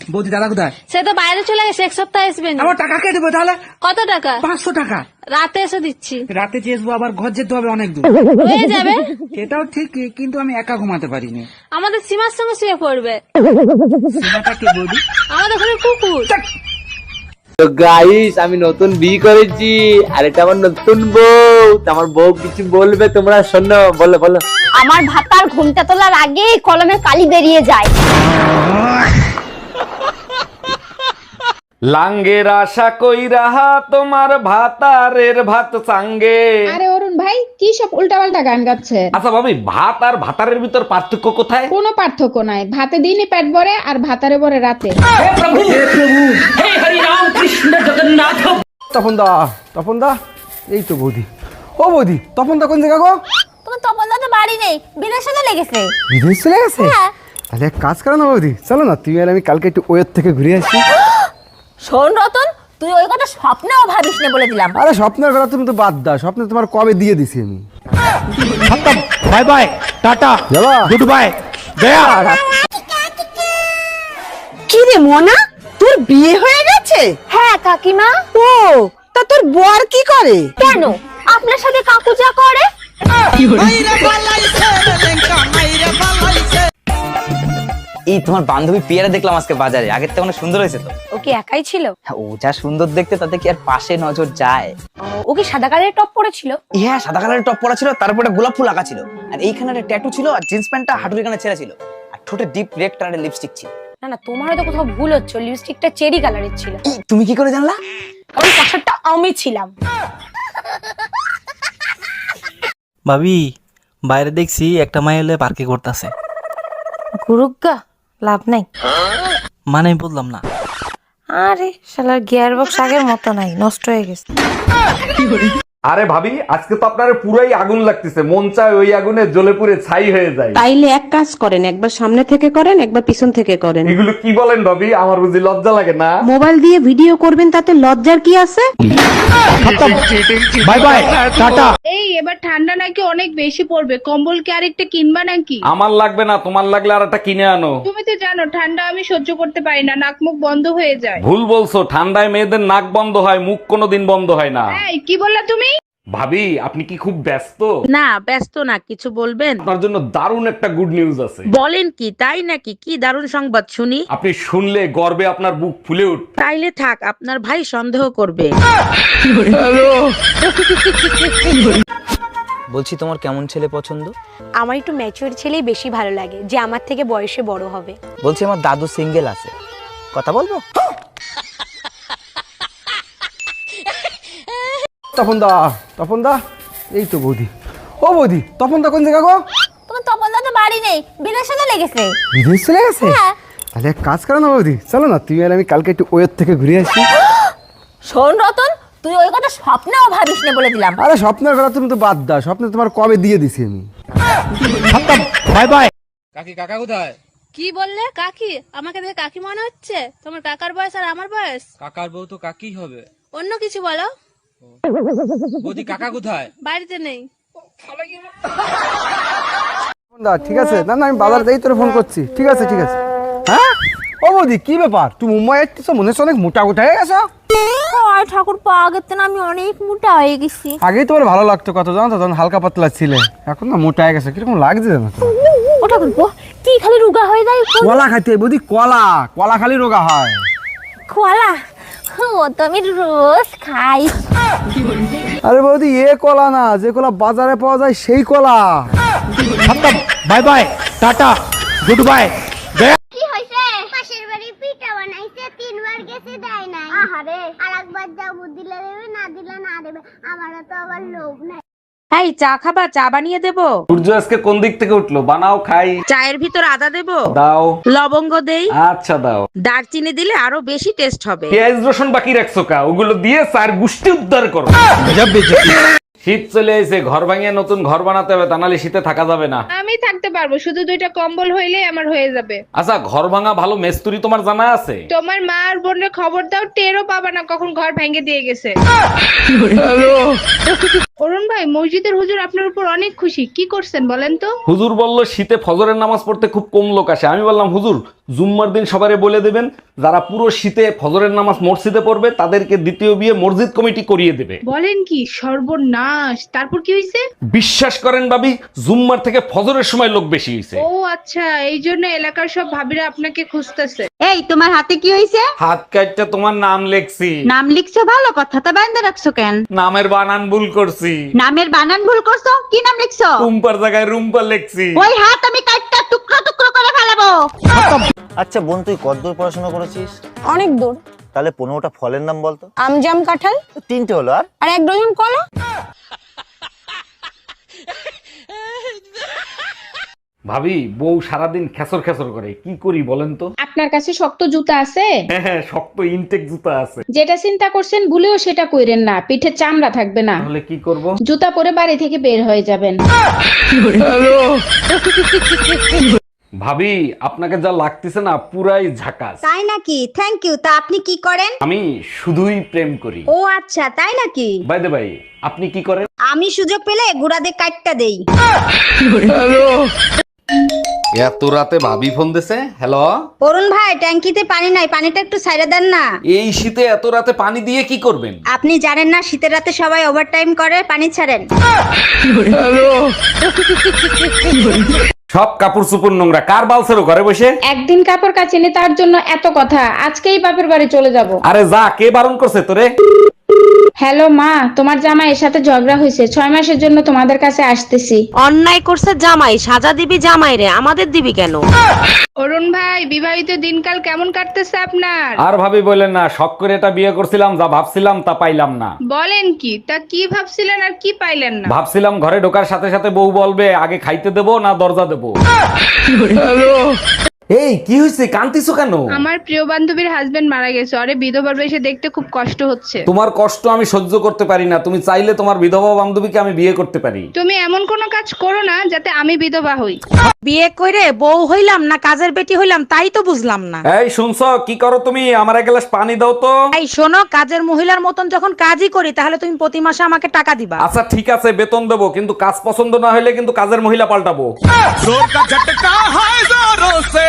বৌদি দাদা কোথায়? সে তো বাইরে চলে গেছে, এক সপ্তাহ আসবে না। আমার টাকা কে দেবো তাহলে? কত টাকা? 500 টাকা। রাতে এসে দিচ্ছি। রাতে যে আসবো, আবার ঘর যেতে হবে অনেক দূর। হয়ে যাবে। এটাও ঠিক, কিন্তু আমি একা ঘুমাতে পারিনি। আমাদের সীমার সঙ্গে শুয়ে পড়বে। সীমাটা কে বৌদি? আমাদের ঘরে কুকুর। তো গাইস, আমি নতুন বিয়ে করেছি আর এটা আমার নতুন বউ। তো আমার বউ কিছু বলবে, তোমরা শোনো। বলো বলো। আমার ভাতার ঘুমটা তোলার আগে কলমে কালি বেরিয়ে যায়। লাঙ্গের আশা কইরা তোমার ভাতারের ভাত সাঙ্গে। আরে অরুণ ভাই, কি সব উল্টাপাল্টা গান গাচ্ছে? আচ্ছা ভাবি, ভাত আর ভাতারের ভিতর পার্থক্য কোথায়? কোনো পার্থক্য নাই, ভাতে দিনে পেট ভরে আর ভাতারে ভরে রাতে। তপন দা, এই তো বৌদি। ও বৌদি, তপন দা কোন জায়গা গো? তোমার তপনদা তো বাড়ি নেই, বিদেশে চলে গেছে। বিদেশ চলে গেছে? হ্যাঁ। তাহলে এক কাজ করো না বৌদি, চলো না তুমি আর আমি কালকে একটু ওয়ের থেকে ঘুরে আসি। শোন রতন, তুই ওই কথা স্বপ্নেও ভাবিস না বলে দিলাম। আরে স্বপ্নের কথা তুমি তো বাদ দাও, স্বপ্নে তোমার কবে দিয়ে দিছি আমি। বাই বাই, টাটা, যাবা? গুড বাই, গয়া। কি রে মোনা, তোর বিয়ে হয়ে গেছে? হ্যাঁ কাকিমা। ও, তা তোর বর কি করে? কেন, আপনার সাথে কাকু যা করে। এই তোমার বান্ধবী পিয়ারা দেখলাম আজকে বাজারে, আগের থেকে অনেক সুন্দর হয়েছে তো। ও কি একাই ছিল? হ্যাঁ, ও যা সুন্দর দেখতে, তাতে কি আর পাশে নজর যায়? ও কি সাদা কালারের টপ পরেছিল? হ্যাঁ, সাদা কালারের টপ পরা ছিল, তারপরে গোলাপ ফুল আঁকা ছিল, আর এইখানে একটা ট্যাটু ছিল, আর জিন্স প্যান্টটা হাঁটুর এখানে ছেঁড়া ছিল, আর ঠোঁটে ডিপ রেড কালারের লিপস্টিক ছিল। না না, তোমার হয়তো কোথাও ভুল হচ্ছে, লিপস্টিকটা চেরি কালারের ছিল। এই, তুমি কি করে জানলা? ওই পাশারটা আমি ছিলাম। ভাবি, বাইরে দেখছি একটা মাই হলে পার্কে করতেছে। গুরুগা লাভ নাই। মানে আমি বললাম না। আরে শালার গিয়ার বক্স আগের মতো নাই, নষ্ট হয়ে গেছে। আরে ভাবি, আজকে তো আপনার পুরাই আগুন লাগতেছে, মন চায় ওই আগুনে জ্বলে পুড়ে ছাই হয়ে যায়। তাইলে এক কাজ করেন, একবার সামনে থেকে করেন, একবার পিছন থেকে করেন। এগুলো কি বলেন ভাবি? আমার বুঝি লজ্জা লাগে না? মোবাইল দিয়ে ভিডিও করবেন, তাতে লজ্জার কি আছে? Bye bye, tata. এই এবার ঠান্ডা নাকি অনেক বেশি পড়বে, কম্বল কি আরেকটা কিনবা নাকি? আমার লাগবে না, তোমার লাগলে আর একটা কিনে আনো। তুমি তো জানো ঠান্ডা আমি সহ্য করতে পারি না, নাক মুখ বন্ধ হয়ে যায়। ভুল বলছো, ঠান্ডায় মেয়েদের নাক বন্ধ হয়, মুখ কোনোদিন বন্ধ হয় না। এই কি বললা তুমি? ভাবি, আপনি কি খুব ব্যস্ত? না ব্যস্ত না, কিছু বলবেন? আপনার জন্য দারুণ একটা গুড নিউজ আছে। বলেন কি, তাই নাকি? কি দারুণ সংবাদ শুনি। আপনি শুনলে গর্বে আপনার বুক ফুলে উঠ। তাইলে থাক, আপনার ভাই সন্দেহ করবে। বলছি, তোমার কেমন ছেলে পছন্দ? আমার একটু ম্যাচিওর ছেলেই বেশি ভালো লাগে, যে আমার থেকে বয়সে বড় হবে। বলছি, আমার দাদু সিঙ্গেল আছে, কথা বলবো? তপন দা, এই তো বৌদি। ও বৌদি, তপন দা কোন জায়গা গো? তোমার তপনদা তো বাড়ি নেই, বিদেশে চলে গেছে। বিদেশ চলে গেছে? হ্যাঁ। তাহলে এক কাজ করো না বৌদি, চলো না তুমি আর আমি কালকে একটু ওয়ের থেকে ঘুরে আসি। শোন রতন, তুই ওই কথা স্বপ্নেও ভাবিস না বলে দিলাম। আরে স্বপ্নের কথা তুমি তো বাদ দাও, স্বপ্নে তোমার কবে দিয়ে দিছি আমি। Bye bye. কাকি কাকা কোথায়? কি বললে? কাকি? আমাকে দেখে কাকি মনে হচ্ছে? তোমার কাকার বয়স আর আমার বয়স। কাকার বউ তো কাকি হবে। অন্য কিছু বলো। বৌদি কাকা কোথায়? বাড়িতে নেই। তপন দা, ঠিক আছে, না না আমি বাজার যাই তোরে ফোন করছি। ঠিক আছে ঠিক আছে। হ্যাঁ, ও বৌদি কি ব্যাপার, তুমি মুম্বাই এসছো, মনে হচ্ছে অনেক মোটা গোটা হয়ে গেছো। ঠাকুর পা, আগের থেকে আমি অনেক মোটা হয়ে গেছি। আগেই তোমার ভালো লাগতো কত, জানো তো, তখন হালকা পাতলা ছিলে, এখন না মোটা হয়ে গেছে, কিরকম লাগছে জানো তো? ও ঠাকুর পো, কি খালি রোগা হয়ে যায়? কলা খাইতে বৌদি, কলা কলা খালি রোগা হয়। খোয়ালা, ও তো আমি রোজ খাই। আরে বৌদি, এ কলা না, যে কলা বাজারে পাওয়া যায় সেই কলা। Bye bye, tata, good bye, গয়া। কি হইছে? পাশের বাড়ি পিঠা বানাইছে, 3 বার গেছে দেয় নাই। আহারে, আরেকবার যাবো, দিলে দেবে, না দিলে না দেবে। আমারও তো আবার লোভ নাই। এই চা খাবা? চা বানিয়ে দেবো? সূর্য আজকে কোন দিক থেকে উঠলো? বানাও, খাই। চায়ের ভিতর আদা দেবো? দাও। লবঙ্গ দেই? আচ্ছা দাও। দারচিনি দিলে আরো বেশি টেস্ট হবে। পেঁয়াজ রসুন বাকি রাখছো কা? ওগুলো দিয়ে চার গুষ্টি উদ্ধার করো। শীত চলে এসে, ঘর ভাঙিয়ে নতুন ঘর বানাতে হবে, তা নাহলে শীতে থাকা যাবে না। আমি থাকতে পারবো, শুধু 2টা কম্বল হইলেই আমার হয়ে যাবে। আচ্ছা, ঘর ভাঙা ভালো মেস্তুরি তোমার জানা আছে? তোমার মা আর বোনের খবর দাও, টেরও পাবা না কখন ঘর ভেঙে দিয়ে গেছে। অরুণ ভাই, মসজিদের হুজুর আপনার উপর অনেক খুশি, কি করছেন বলেন তো? হুজুর বলল শীতে ফজরের নামাজ পড়তে খুব কম লোক আসে। আমি বললাম হুজুর জুম্মার দিন সবারে বলে দেবেন যারা পুরো শীতে ফজরের নামাজ মসজিদে পড়বে তাদেরকে দ্বিতীয় বিয়ে মসজিদ কমিটি করিয়ে দেবে। বলেন কি, সর্বনাশ! তারপর কি হয়েছে? বিশ্বাস করেন ভাবি, জুম্মার থেকে ফজরের সময় লোক বেশি হয়েছে। ও আচ্ছা, এই জন্য এলাকার সব ভাবিরা আপনাকে খুঁজতেছে। এই তোমার হাতে কি হয়েছে? হাত কাটটা তোমার নাম লেখছি। নাম লিখছো ভালো কথা, তা বাইন্দা রাখছো কেন? নামের বানান ভুল করছি। নামের বানান ভুল করছো? কি নাম লিখছো? রুম্পার জায়গায় রুম্পা লেখছি। ওই হাত আমি কাটটা টুকরো টুকরো করে ফেলাবো। আচ্ছা বোন, তুই কতদূর পড়াশোনা করেছিস? অনেক দূর। তাহলে 15টা ফলের নাম বলতো। আম, জাম, কাঁঠাল, 3টে হলো, আর 1 ডজন কলা। ভাবি, বউ সারাদিন খেসর খেসর করে, কি করি বলেন তো? আপনার কাছে শক্ত জুতা আছে? হ্যাঁ, শক্ত ইনটেক জুতা আছে। যেটা চিন্তা করছেন ভুলেও সেটা কইরেন না, পিঠে চামড়া থাকবে না। তাহলে কি করব? জুতা পরে বাড়ি থেকে বের হয়ে যাবেন। ভাবি, আপনাকে যা লাগতেছে না পুরাই ঝাকাস। তাই নাকি? Thank you. তা আপনি কি করেন? আমি শুধুই প্রেম করি। ও আচ্ছা, তাই নাকি? বাই দ্য বাই, আপনি কি করেন? আমি সুযোগ পেলে গুড়াতে কাটটা দেই। এত রাতে ভাবি ফোন দিছে। হ্যালো অরুণ ভাই, ট্যাঙ্কিতে পানি নাই, পানিটা একটু ছাইড়া দেন না। এই শীতে এত রাতে পানি দিয়ে কি করবেন? আপনি জানেন না শীতের রাতে সবাই ওভারটাইম করে, পানি ছাড়েন। সব কাপড় চোপড় নোংরা, কার বালছেরো ঘরে বসে? একদিন কাপড় কাচিনি তার জন্য এত কথা, আজকেই বাপের বাড়ি চলে যাব। আরে যা, কে বারণ করছে তোরে? হ্যালো মা, তোমার জামাইয়ের সাথে ঝগড়া হয়েছে, 6 মাসের জন্য তোমাদের কাছে আসতেছি। অন্যায় করছে জামাই, সাজা দিবি জামাই রে, আমাদের দিবি কেন? অরুণ ভাই, বিবাহিত দিনকাল কেমন কাটতেছে আপনার? আর ভাবি বলেন না, শখ করে এটা বিয়ে করছিলাম, যা ভাবছিলাম তা পাইলাম না। বলেন কি? তা কি ভাবছিলেন আর কি পাইলেন না? ভাবছিলাম ঘরে ঢোকার সাথে সাথে বউ বলবে আগে খাইতে দেবো না দরজা দেবো। এই কি হয়েছে, কান্তিছো কেন? আমার প্রিয় বান্ধবীর হাজবেন্ড মারা গেছে, আরে বিধবা বেশে দেখতে খুব কষ্ট হচ্ছে। তোমার কষ্ট আমি সহ্য করতে পারি না, তুমি চাইলে তোমার বিধবা বান্ধবীকে আমি বিয়ে করতে পারি। তুমি এমন কোনো কাজ করো না যাতে আমি বিধবা হই। বিয়ে করে বউ হইলাম না কাজের বেটি হইলাম তাই তো বুঝলাম না। এই শুনছো, কি করো তুমি? আমার এক গ্লাস পানি দাও তো। এই শোনো, কাজের মহিলার মতন যখন কাজই করি তাহলে তুমি প্রতি মাসে আমাকে টাকা দিবা। আচ্ছা ঠিক আছে, বেতন দেবো, কিন্তু কাজ পছন্দ না হলে কিন্তু কাজের মহিলা পাল্টাবো।